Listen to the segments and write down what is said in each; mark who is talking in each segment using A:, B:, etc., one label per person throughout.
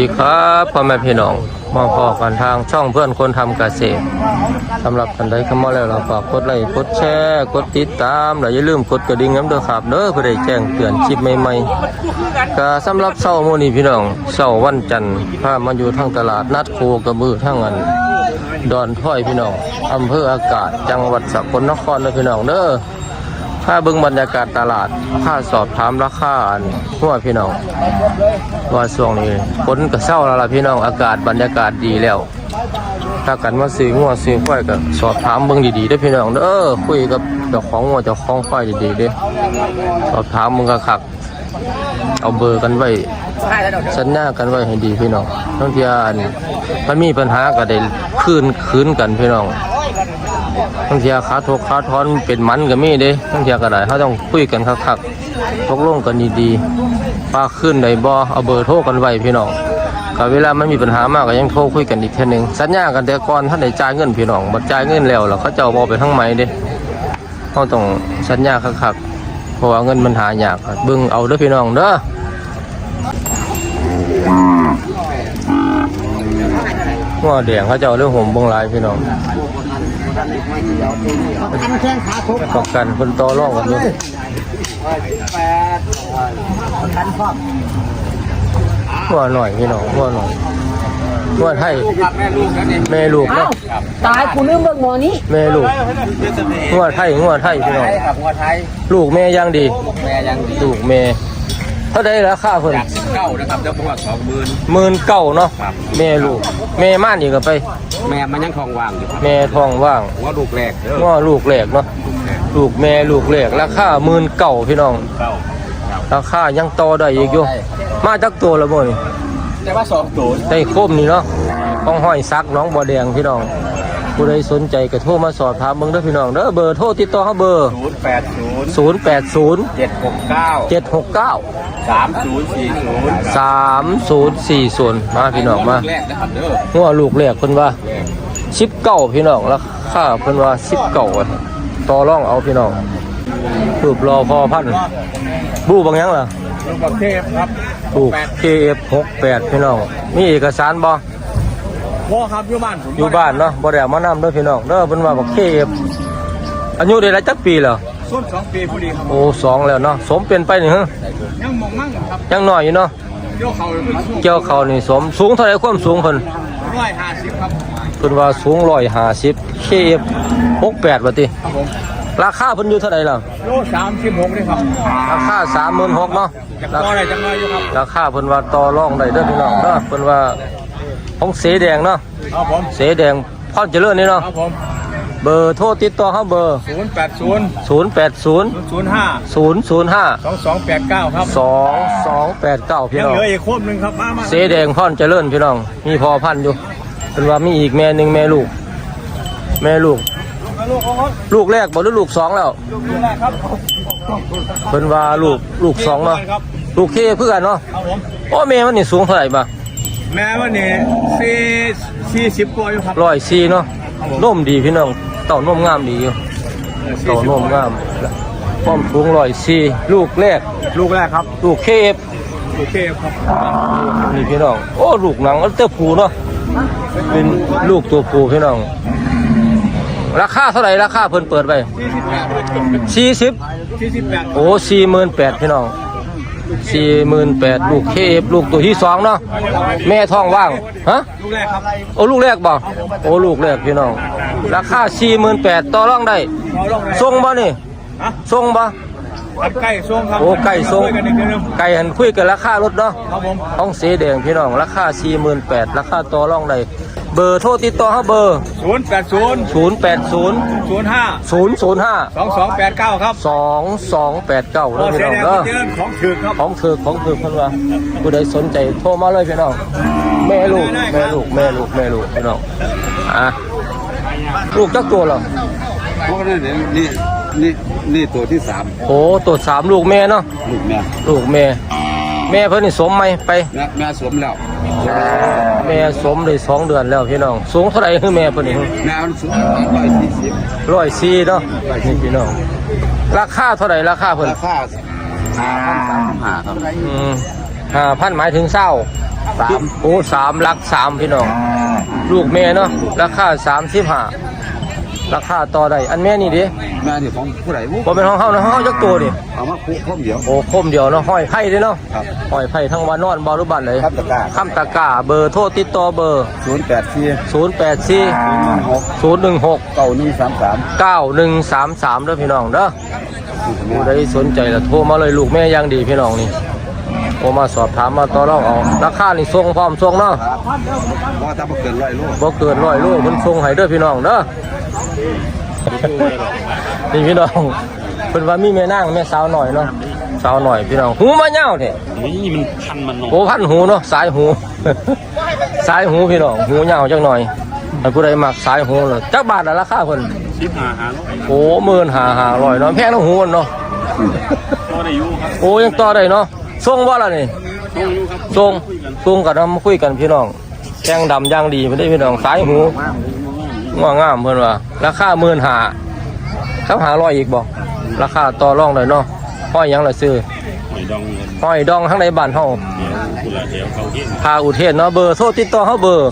A: ดีครับพ่อแม่พี่น้องมาพอกันทางช่องเพื่อนคนทำเกษตรสำหรับท่านใดเข้ามาแล้วเราฝากกดไลค์กดแชร์กดติดตามและอย่าลืมกดกระดิ่งน้ำเด้อครับเด้อเพื่อได้แจ้งเตือนคลิปใหม่ๆก็สำหรับเช้ามื้อนี้พี่น้องเช้าวันจันทร์พามาอยู่ทางตลาดนัดโคกระบือทางอันดอนถ้อยพี่น้องอำเภออากาศจังหวัดสกลนครเด้อพี่น้องเด้อถ้าเบิ่งบรรยากาศตลาดถ้าสอบถามราคาหัวพี่น้องว่าช่วงนี้ฝนก็เศร้าแล้วล่ะพี่น้องอากาศบรรยากาศดีแล้วถ้ากันมาซื้อหัวซื้อควายก็สอบถามเบิ่งดีๆเด้อพี่น้องเด้อคุยกับเจ้าของหัวเจ้าของควายดีๆเด้อสอบถามมึงก็คักเอาเบอร์กันไว้สัญญากันไว้ให้ดีพี่น้องทั้งที่มันมีปัญหาก็ได้คืนกันพี่น้องทั้งเทียขาทกขาทอนเป็นมันก็มีเด้ทั้งเทียก็ได้เขาต้องคุยกันคักๆตกลงกันดีๆปาขึ้นได้บ่เอาเบอร์โทรกันไว้พี่น้องก็เวลามันมีปัญหามากก็ยังโทรคุยกันอีกเทื่อนึงสัญญากันแต่ก่อนท่านได้จ่ายเงินพี่น้องบ่จ่ายเงินแล้วเขาเจ้าบ่ไปทั้งไหมเด้เขาต้องสัญญาคักๆเพราะว่าเงินมันหายากเบิ่งเอาเด้อพี่น้องเด้อหัวแดงเขาเจ้าเรื่องห่มบงลายพี่น้องประกันคนต่อรองกันอยู่หัวหน่อยพี่น้องหัวหน่อยหัวไทยแม่ลูกนะ
B: ตายกูลืมเบิกหมอนี้
A: แม่ลูกหัวไทยพี่น้องลูกแม่ยังดีลูกแม่เท่าไดราคาเพิ่น
C: 9นะครับเจ้าพวก
A: 19,000เนาะแม่ลูกแม่ม่านอีกก็ไป
C: แม่มันยังทองว่างอยู่
A: แม่ทองว่าง
C: ว่าลูกแรก
A: ลูกแรกเนาะลูกแม่ลูกแรกราคา19,000พี่น้องราคายังต่อได้อีกอยู่มาจักตัวละบ่นี่
C: แต่ว่า2ตัว
A: ได้คมนี่เนาะต้องห้อยซักน้องบ่แดงพี่น้องผู้ใดสนใจก็โทรมาสอบถามเบิ่งเด้อพี่น้องเด้อเบอร์โทรติดต่อเฮาเบอร์
C: 080 769 3040
A: มาพี่น้องมา
C: แรกนะครับเด้อ
A: หัวลูกแรกเพิ่นว่า19พี่น้องราคาเพิ่นว่า19ต่อรองเอาพี่น้องรูปรอพอพันบูบางยังล่ะ
C: ลูกบักเทพครับ
A: ลูก KF68 พี่น้องมีเอกสารบ่
C: พ่อครับอยู่บ้าน
A: อยู่บ้านเนาะบ่ได้เอามานำเด้อพี่น้องเด้อเพิ่นว่าบัก KF อายุได้หลายจักปีแล้ว
C: ส้น2 ปีพอดีครับ
A: โอ้2แล้วเนาะสมเป็นไปนี่ฮะ
C: ยังมองมั่งครับ
A: ยังน้อยอยู่เนาะเกี่ยวเขานี่สมสูงเท่าไหร่ความสูงเพิ่น
C: 150ครับ
A: เพิ่นว่าสูง150 KF68 ว่าติ
C: ครับผม
A: ราคาเพิ่นอยู่เท่าไหร่ล่ะ
C: โล36นี่ครับ
A: ราคา 36,000 เนาะ
C: ราคาได้จังเลยอยู่ครับ
A: ราคาเพิ่นว่าต่อรองได้เด้อพี่น้องเด้อเพิ่นว่าของเสแดงเนาะ
C: ครับผม
A: เสแดงพรเจริญนี่เนาะ
C: ครับผม
A: เบอร์โทรติดต่อเฮาเบอร์080 2289ครับ2289พี่น้อง
C: เหลืออีกโคมนึงครับมา
A: เสแดงพรเจริญพี่น้องมีพอพันอยู่เพิ่นว่ามีอีกแม่นึงแม่ลูกลูกแรกบ่หรือลูก2แล้ว
C: ลูกแรกครับ
A: เพิ่นว่าลูก2เนาะลูกเคเพื่อนเนาะ
C: ครับผม
A: โอ้แม่มันนี่สูงเท่าไหร่บ่
C: แม่วันนี้40กว่าอยู่ครับ
A: 104เนาะนมดีพี่น้องเต้านมงามดีอยู่เต้านมงามความสูง104ลูกแรก
C: ครับ
A: ลูกเคฟ
C: ครับ
A: นี่พี่น้องโอ้ลูกหนังเต้าผูเนาะเป็นลูกตัวผูพี่น้องราคาเท่าไหร่ราคาเพิ่นเปิดไป40โอ้48,000พี่น้อง48,000ลูกเคฟลูกตัวที่2เนาะแม่ท้องว่างฮะ
C: ลูกแรกครับ
A: โอ้ลูกแรกบ่โอ้ลูกแรกพี่น้องราคา48,000ต่อรองได้ส่งบ่นี่ส่งบ่
C: ไก่ส่งครับ
A: โอ้ไก่ส่งไก่หันคุยกันราคารถเนาะ
C: ครับผม
A: ท้องสีแดงพี่น้องราคา48,000ราคาต่อรองได้เบอร์โทรติดต่อเฮาเบอร์080 005
C: 2289ครับ
A: 2289เด้อพี่น้องเด้อ
C: ของถือครับ
A: ของถือเพิ่นว่าผู้ใดสนใจโทรมาเลยพี่น้องแม่ลูกพี่น้องลูกจักตัวเหรอ
C: พวกนั้นนี่ตัวที่3
A: โอ้ตัว3ลูกแม่เนาะลูกแม่เพิ่นนี่สมไหมไป
C: แม่สมแล้ว
A: แม่สมได้2เดือนแล้วพี่น้องสูงเท่าไหร่คือแม่เพิ่นนี่
C: แม่มันสูง
A: 140เนาะนี่พี่น้องราคาเท่าไหร่ราคาเพิ่น
C: ราคา5,300ครับ
A: 5,000หมายถึงเศร้า
C: 3
A: โอ้3ลัก3พี่น้องลูกแม่เนาะราคา35ราคาต่อได้อันแม่นี่ดิ
C: แม่นี่ของผู้ใดวุ้
A: บ่เป็นของเฮานะเฮาจักตัวดิ
C: เอามาคุเดียว
A: โอ้คมเดียวเนาะห้อยไผ่เด้เนาะ
C: ครับ
A: ห้อยไผ่ทั้งวันนอนบ่หรือบ้านไหน
C: ครับตะกร้า
A: คำตะกร้าเบอร์โทรติดต่อเบอร์
C: 084
A: 084
C: 6
A: 016
C: 9133
A: 9133เด้อพี่น้องเด้อผู้ใดสนใจละโทรมาเลยลูกแม่อย่างดีพี่น้องนี่โทรมาสอบถามมาต่อรองเอาราคานี่ส่งพร้อมส่งเนาะ
C: ครับว่าถ้าบ่เกิน100โล
A: บ่เกิน100โลเพิ่นส่งให้เด้อพี่น้องเด้อ นี่พี่น้องเพิ่นว่ามีแม่นางแม่สาวหน่อยเนาะสาวหน่อยพี่น้องหูมาเหย้าแท้
D: นี่มันพันมันน
A: โอ้พันหูเนาะสายหู สายหูพี่น้องหูเหย้าจักหน่อยถ้าผู้ใดมักสายหูเลยจักบาทละราคาเพิ่น
D: 15,500
A: โอ้15,500เนาะแพงทั้งหูเนาะ
D: ก็ได้อยู่ครับ
A: โอ้ยังต่อได้เนาะส่งบ่ล่ะนี่
D: ต้องอยู่ครับ
A: ส่งกันมาคุยกันพี่น้องแข้งดำอย่างดีไม่ได้พี่น้องสายหูง่วงงามเพิ่นว่าราคา15,000ครับ500อีกบ่ราคาต่อรองได้เนาะห้อยหยังล่ะซื้อ
D: หอยดองเงิน
A: ห้อยดองทั้งในบ้านเฮา
D: เดี๋ยวกุหลาบเดี๋ยวเขาเที่ยง
A: พาอุเทศเนาะเบอร์โทรติดต่อเฮาเบอร์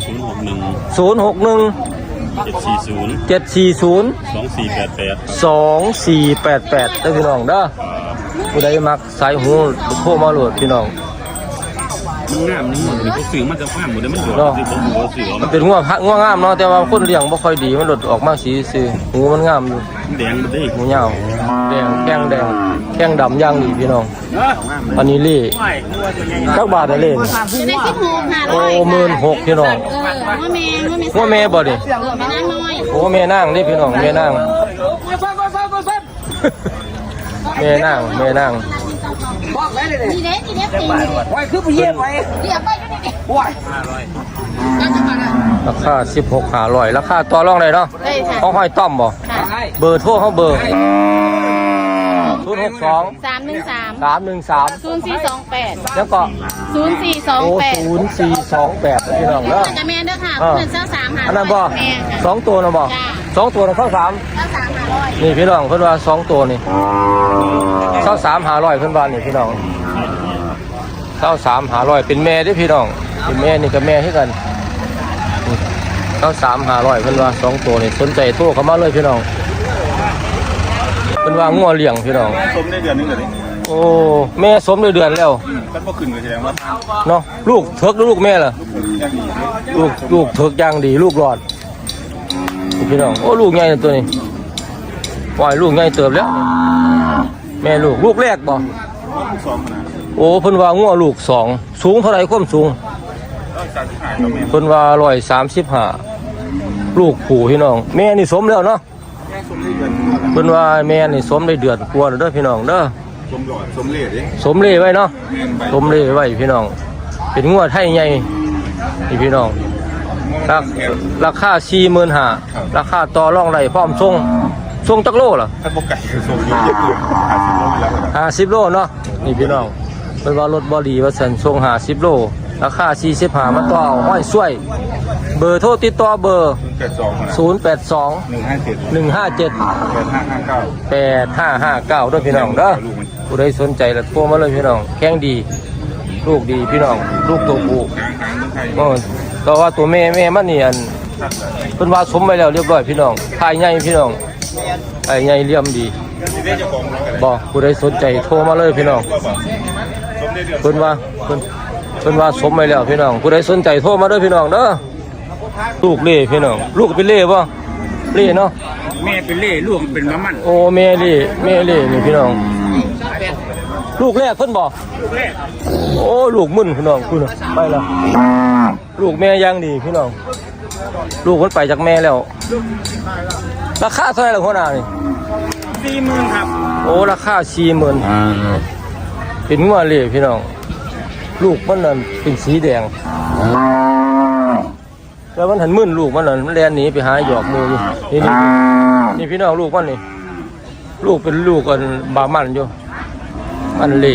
D: 061
A: 061
D: 740
A: 740
D: 2488
A: 2488เด้อพี่น้องเด้อผู้ใดมักสายหูโทรมาโหลดพี่น้อง
D: มันงามนี่มันก็สื่อมันจะฟ้าหมดเลยมันหยด
A: เนาะ
D: สิผมหัวเสือ
A: มันเป็นงัวงามเนาะแต่ว่าคนเลี้ยงบ่ค่อยดีมันหลุดออกมาสีซื่อหูมันงามอยู่
D: แดงมันได้
A: หูยาวแดงแข้งดำย่างดีพี่น้องอันนี้เล่จักบาทได้เล่น
B: จะได้16,500
A: โอ้16,000พี่น้อง
B: ว่าแม่
A: หัวแม่บ่ดิ
B: ไม่นั่งน้อย
A: โอ้แม่นางนี่พี่น้องแม่นางแม่นาง
B: นี่เด้ตีไว้คือไปเยี่ยมไว้เยี่ยมไปก็ได้ว้าย
A: ราคา16,500ราคาต่อรองได้เนาะ
B: ได้ค่ะ
A: เขาห้อยต้อมบ่
B: ค่ะ
A: เบอร์โทรเขาเบอร์062
B: 313
A: 313
B: 0428
A: แล้วก็ โอ้
B: 0428
A: 0428พี่น้องเนาะ
B: จะแม่เด้อค่ะเพื่อนเจ้า3หา
A: อันนั้นบ่
B: แม่ค่ะ
A: สองตัวนะบ่
B: จ้า
A: สองตัวนะเข้าสาม
B: เจ้า3หาร้อย
A: นี่พี่น้องเพิ่นว่าสองตัวนี่เข้า3,500เพิ่นว่านี่พี่น้องเข้า3,500เป็นแม่เด้อพี่น้องเป็นแม่นี่กับแม่คือกันนี่เข้า3,500เพิ่นว่าสองตัวนี่สนใจโทรเข้ามาเลยพี่น้องเพิ่นว่างัวเลี้ยงพี่น้อง
C: สมได้เดือนนึงเลย
A: โอ้แม่สมได้เดือนแล้ว
C: กันบ่ขึ้นก็แสดงว่า
A: เนาะลูกเถิกหรือลูกแม่ล่ะ
C: ยังดี
A: ลูกเถิกอย่างดีลูกหลอดนี่พี่น้องโอ้ลูกใหญ่นะตัวนี้ปล่อยลูกใหญ่เติบแล้วแม่ลูกแรกบ่
C: 2ขนาด
A: โอ้เพิ่นว่างัวลูกสองสูงเท่าไหร่ความสูง
C: 35ก็แม่
A: เพิ่นว่า135ลูกผู้พี่น้องแม่นี่สมแล้วเนาะ
C: สมได้เดือน
A: เพิ่นว่าแม่นี่สมได้เดือนกว่าแล้วเด้อพี่น้องเด้อ
C: สมหลอดสมเลดดิ
A: สมเล่ไว้เนาะสมเล่ไว้พี่น้องเป็นงัวไทยใหญ่นี่พี่น้องราคา45,000ราคาต่อรองได้พร้อมส่งจักโลล่ะ
C: ถ้าบ่ไก่สมเยอะๆ50โลแล้ว
A: 50โลเนาะนี่พี่น้องเป็นว่ารถบอดีว่าสันทรง50โลราคา45มาต่อเอาห้อยช่วย เบอร์โทรติดต่อเบอร์
C: 82
A: 082
C: 157
A: 157 8559ด้วยพี่น้องเด้อผู้ใดสนใจแล้วโทรมาเลยพี่น้องแข็งดีลูกดีพี่น้องลูกตัวผู้ก็ว่าตัวแม่มันนี่อันเป็นว่าสมไปแล้วเรียบร้อยพี่น้องทายใหญ่พี่น้องทายใหญ่เลี่ยมดีบอกผู้ใดสนใจโทรมาเลยพี่น้องเพิ่นว่าสมไปแล้วพี่น้องผู้ใดสนใจโทรมาเด้อพี่น้องเด้อลูกเล่พี่น้องลูกเป็นเล่บ่เล่เนาะ
C: แม่เป็นเล่ลูกเป็นมะมัน
A: โอ้แม่เล่นี่พี่น้องลูกแรกเพิ่นบอกโอ้ลูกมึนพี่น้องคุณไปแล้วลูกแม่ยังดีพี่น้องลูกมันไปจากแม่แล้วราคาเท่าไหร่ล่ะหัวหน้านี่
C: 40,000ครับ
A: โอ้ราคา40,000เป็นงัวเล่พี่น้องลูกมันนั่นเป็นสีแดงแล้วมันหันมึนลูกมันนั่นมันแล่นหนีไปหาหยอกหมูอยู่นี่พี่น้องลูกมันนี่ลูกเป็นลูกกันบามันอยู่มันเล่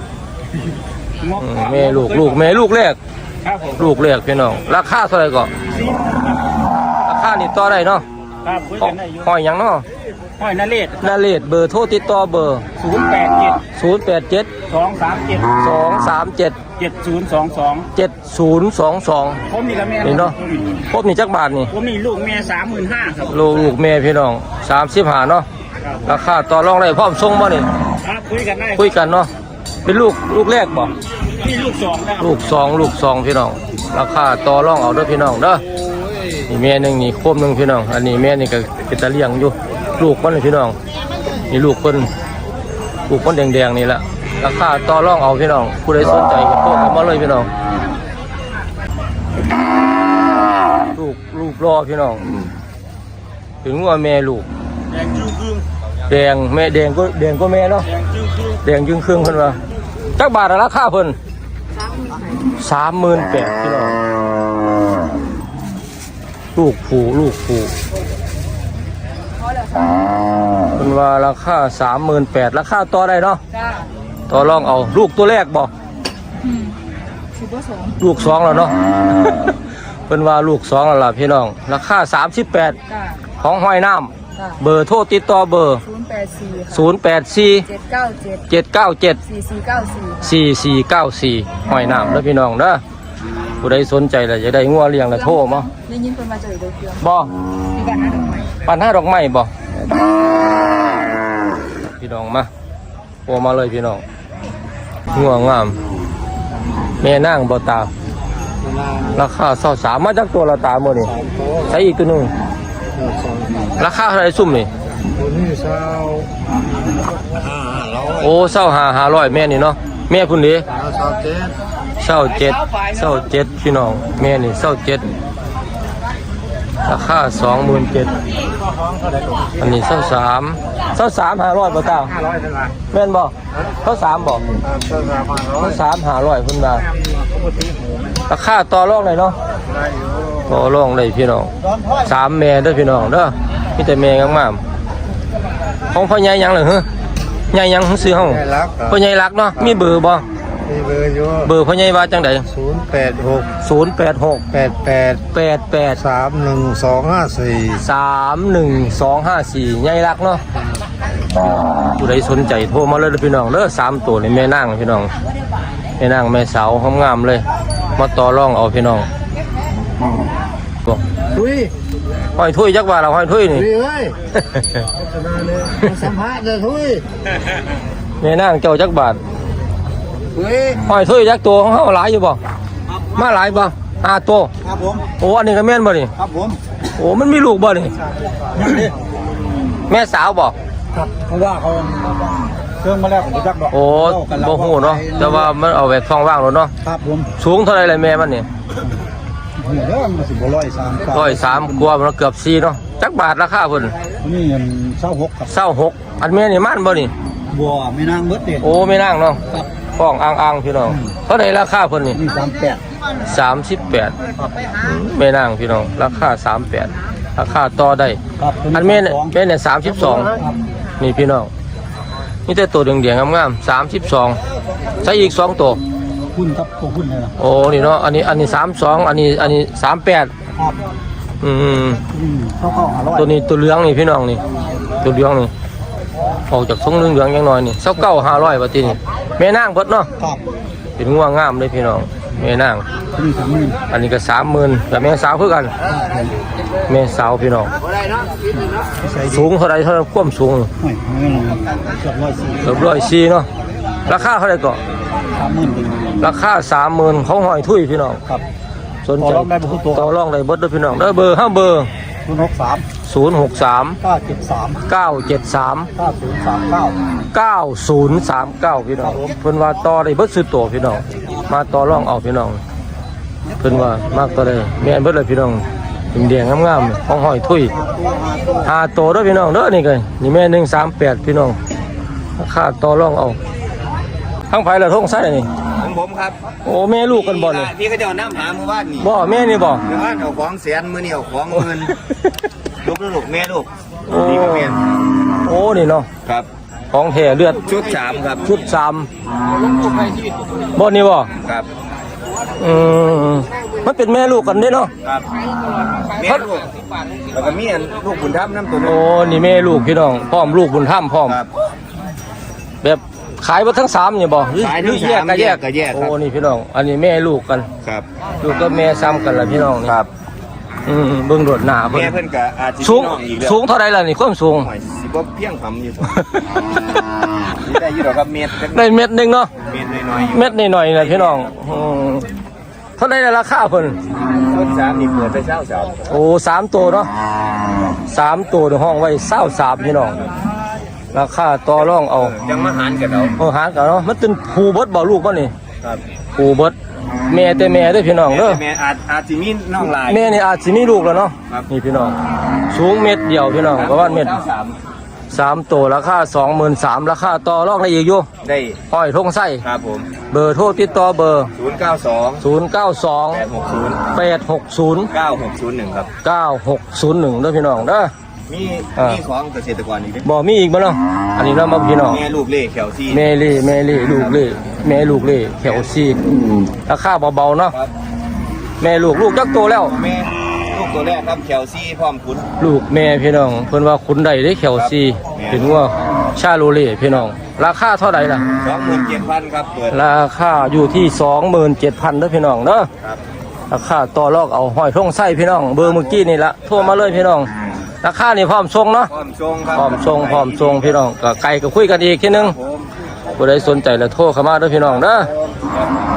A: แม่ลูกแรก
C: ครับผม
A: ลูกแรกพี่น้องราคาเท่าไหร่ก่อนราคานี่ต่อได้เนาะ
C: ครับคุยกันได้อยู่
A: ห้อยหยังเนาะ
C: ห้อยนเรศ
A: นาเลดเบอร์โทรติดต่อเบอร์
C: 087
A: 087
C: 237
A: 237
D: 7022
A: 7022
D: ผมนี่กับแม่
A: นี่เนาะครบนี่จักบาทนี่
D: ผมนี่ลูกแม่35,000ครับ
A: ลูกแม่พี่น้อง35เนาะราคาต่อรองได้พร้อมส่งบ่นี่
D: ครับคุยกันได้
A: คุยกันเนาะเป็นลูกแรกบ่
D: นี่ลูก2ครับ
A: ลูกสองพี่น้องราคาต่อรองเอาเด้อพี่น้องเด้อนี่แม่หนึงนี่โคมหนึงพี่น้องอันนี้แม่นี่ก็เป็นตะเลี้ยงอยู่ลูกมันนี่พี่น้องนี่ลูกคนแดงๆนี่แหละราคาต่อรองเอาพี่น้องผู้ใดสนใจก็โทรเข้ามาเลยพี่น้องลูกรอพี่น้องถึงว่าแม่ลูก
D: แดงจึ้งครึ่ง
A: แดงแม่แดงก็แม่เนาะ
D: แดงจึ้งครึ่ง
A: แดงจึงครึ่งเพิ่นว่าจักบาทละราคาเพิ่น38,000พี่น้องลูกผูเพิ่นว่าราคา38,000ราคาต่อได้เนาะ
B: จ้า
A: ต่อรองเอาลูกตัวแรกบ่
B: สิบว่าสอง
A: ลูก2แล้วเนาะ เพิ่นว่าลูก2แล้วล่ะพี่น้องราคา38
B: จ้า
A: ของห้อยน้ำ
B: จ้า
A: เบอร์โทรติดต่อเบอร์
B: 084
A: 084
B: 797
A: 797
B: 4494
A: 4494ห้อยน้ำเด้อพี่น้องเด้อผู้ใดสนใจแล้วจะได้งัวเลี้ยงแล้วโทรมา
B: ได้ยินเพิ่นมาเจอโดยเพียง
A: บ่
B: มีการหาดอกไม้
A: ปันห้าดอกไม้บ่พี่น้องมาโทรมาเลยพี่น้องงัวงามแม่นางบ่ตาราคา23มาจากตัวละตามื้อนี่ใส่อีกตัวหนึงราคาเท่าไหร่ซุ่มนี่
C: ตัวนี้เช้า
A: โอ้25,500แม่นี่เนาะแม่พุ่นเด้
C: เช้าเจ็ด
A: เศร้าเจ็ดพี่น้องแม่นี่เศร้าเจ็ดราคา27,000อันนี้เศร้าสาม500บ่ตา
C: 500เท่าไหร่
A: แม่นบ่เศร้าสามบ่
C: เช้า500
A: เศร้า3 500เพิ่นว่า
C: เขาบ่ตีหู
A: ราคาต่อรองได้เนาะ
C: ได้อยู่
A: ต่อรองได้พี่น้อง3แม่เด้อพี่น้องเด้อมีแต่แม่งามๆของพ่อใหญ่หยังล่ะฮะใหญ่หยังซื้อเฮา
C: ได้รัก
A: พ่อใหญ่รักเนาะมีเบอร์บ่
C: มีเบอร์อยู่
A: เบอร์พ่อใหญ่ว่าจังได๋
C: 086
A: 086
C: 88
A: 88
C: 31254
A: 31254ใหญ่รักเนาะผู้ใดสนใจโทรมาเลยเด้อพี่น้องเด้อ3ตัวนี่แม่นางพี่น้องแม่นางแม่สาวงามๆเลยมาต่อรองเอาพี่น้องบอก
C: ทุย
A: ห้อยถ้วยจักว่าเราห้อยถ้วยนี่
C: ทุยเอ้ยสัมภาษณ์เลยทุย
A: แม่นางเจ้าจักบาท
C: ทุย
A: ห้อยถ้วยจักตัวของเฮาหลายอยู่บ่มาหลายบ่5ตัว
C: ครับผม
A: โอ้อันนี้ก็แม่นบ่นี่
C: ครับผม
A: โอ้มันมีลูกบ่นี่แม่สาวบ่
C: ครับเพราะว่าเขาเครื่องมาแล้วผมจักดอก
A: โอ้บ่ฮู้เนาะแต่ว่ามันเอาไว้ท้องว่างแล้วเนาะ
C: ครับผม
A: สูงเท่าไหร่เลยแม่มันนี่
C: หูเด้อมันสิบ่
A: 103
C: 103
A: กว่ามันเกือบ4เนาะจักบาทราคาเพิ่น
C: นี่เงิน26ครับ
A: 26อันแม่นี่มันบ่นี่
C: บัวไม่นางเบิดดิ
A: โอ้ไม่นั่งเนาะฟ้องอ่างๆพี่น้องเท่าไหร่ราคาเพิ่นนี่
C: นี่
A: 38ไม่นั่งพี่น้องราคา38ราคาต่อได้
C: 38ครับ
A: อันแม่เนี่ย32นี่พี่น้องนี่แต่ตัวแดงๆงามๆ32ใส่อีก2ตัว
C: หุ้นครับตัวหุ้นเลยนะ
A: โอ้นี่เนาะอันนี้32อันนี้38
C: ครับ
A: อืม
C: เข้า500
A: ตัวนี้ตัวเหลืองนี่พี่น้องนี่ตัวเหลืองนี่ออกจากทรงเหลืองๆจังหน่อยนี่29,500บาทนี่แม่นางเบิดเนาะ
C: ครับ
A: เป็นงัวงามเลยพี่น้องแม่นาง
C: นี่30,000
A: อันนี้ก็30,000กับแม่สาวคือกันแม่สาวพี่น้อง
C: ใส่
A: สูงเท่าไรเท่านั้นความสูง
C: โอ้ยไม่ลงเกือบ104
A: เกือบ104เนาะราคาเท่าไรก็
C: 30,000เป็น
A: ราคา30,000เขาหอยทุยพี่น้อง
C: ครับ
A: สนใจ
C: ต่อรองได้บ่ทุกตัว
A: ต่อรองได้เบิดเด้อพี่น้องเด้อเบอร์5เบอร์
C: 063
A: 063
C: 973
A: 973
C: 9039
A: 9039พี่น้องเพิ่นว่าต่อได้เบิดสุดโตพี่น้องมาต่อรองเอาพี่น้องเพิ่นว่ามากต่อได้แม่นเบิดเลยพี่น้องแดงๆงามๆของหอยทุย5โตเด้อพี่น้องเด้อนี่ก็นี่แม่138พี่น้องราคาต่อรองเอาทั้งไผละทงไส้นี่
E: ของผมครับ
A: โอ้แม่ลูกกันบ่นี่
E: พี่ก็จะเอาน้ำหามือบ้านนี่
A: บ่แม่นี่บ่
E: เดี๋ยวบ้านเอาของแสนมือนี่เอาของหมื่นลูกลูกแม่ลูก
A: โอ้
E: นี่ก็แม่น
A: โอ้นี่เนาะ
E: ครับ
A: ของแท้เลือด
E: ชุด3ครับ
A: ชุด3บ่นี่บ่
E: ครับ
A: อืมมันเป็นแม่ลูกกันเด้เนาะ
E: ครับแม่ลูกแล้วก็มีอันลูกบุญธรรมน้ำตัวนึ
A: โอ้
E: ง
A: นี่แม่ลูกพี่น้องพร้อมลูกบุญธรรมพร้อม
E: ครับ
A: แบบขายหมดทั้ง3นี่บ่หรือ
E: ขาย
A: หรื
E: ทั้
A: อง แยก
E: 3
A: ก็แยก
E: ก็แยก
A: โอ้
E: ครับ
A: นี่พี่น้องอันนี้แม่ลูกกัน
E: ครับ
A: ลูกก็แม่ซ้ำกันล่ะพี่น้องนี่
E: ครับ
A: เบิ่งโดดหน้าเบิ่ง
E: แม่เพิ่นก็อาจสิ
A: สูง
E: มีน้องอีกแล้ว
A: สูงเท่าใดล่ะนี่ความสูง
E: หอยสิบ่เพียงพำอยู่ตัวนี่ได้อยู่ดอกครับเม็ดจัก
A: ได้เม็ดหนึงเนาะ
E: เม็ดน้อยๆอยู่
A: เม็ดหน่อยๆนะพี่น้องเท่าใดล่ะราคาเพิ่น
E: ต้น3นี่เปิดไปเช้าสาว
A: โอ้3ตัวเนาะ3ตัวในห้องไว้23พี่น้องราคาต่อรองเอา
E: ยังมาหารกันเอา
A: หารกันเนาะมันเป็นผูเบิดบ่ลูกบ่นี่
E: ครับ
A: ผูเบิดแม่แต่แม่เด้อพี่น้องเด้อ
E: แม่อาจสิมีน้องหลาย
A: แม่นี่อาจสิมีลูกแล้วเนาะ
E: ครับ
A: นี่พี่น้องสูงเม็ดเดียวพี่น้องประมาณเม็ด 3ตัวราคา 23,000ราคาต่อรองได้อีกอยู่
E: ได้
A: ห้อยทงไส้
E: ครับผม
A: เบอร์โทรติดต่อเบอร์
E: 092
A: 092
E: 860
A: 860
E: 9601ครับ
A: 9601เด้อพี่น้องเด้อ
E: มีของเกษตรกรอีกเด้
A: บ่มีอีกบ่เนาะอันนี้เรามาพี่น้อง
E: แม่ลูกเล่แขวซี่
A: แม่เล่ลูกเล่แม่ลูกเล่แถวซีราคาเบาๆเนาะ
E: ครับ
A: แม่ลูกจักโตแล้ว
E: แม่ลูกตัวแรกครับแขวซี่พร้อมคุณ
A: ลูกแม่พี่น้องเพิ่นว่าขุนใดได้แถวซีเป็นว่าชาโลเล่พี่น้องราคาเท่าไหร่ล่ะ
E: 27,000ครับเปิด
A: ราคาอยู่ที่ 27,000เด้อพี่น้องเด้อ
E: ครับ
A: ราคาต่อรองเอาห้อยทงไส้พี่น้องเบอร์เมื่อกี้นี่ละโทรมาเลยพี่น้องราคานี่พร้อมส่งเนาะ
E: พร้อมทรงครับ
A: พร้อมส่งพี่น้องก็ไกลก็คุยกันอีกทีนึง
E: ผม
A: ผู้ใดสนใจแล้วโทรเข้ามาเด้อพี่น้องเด้อ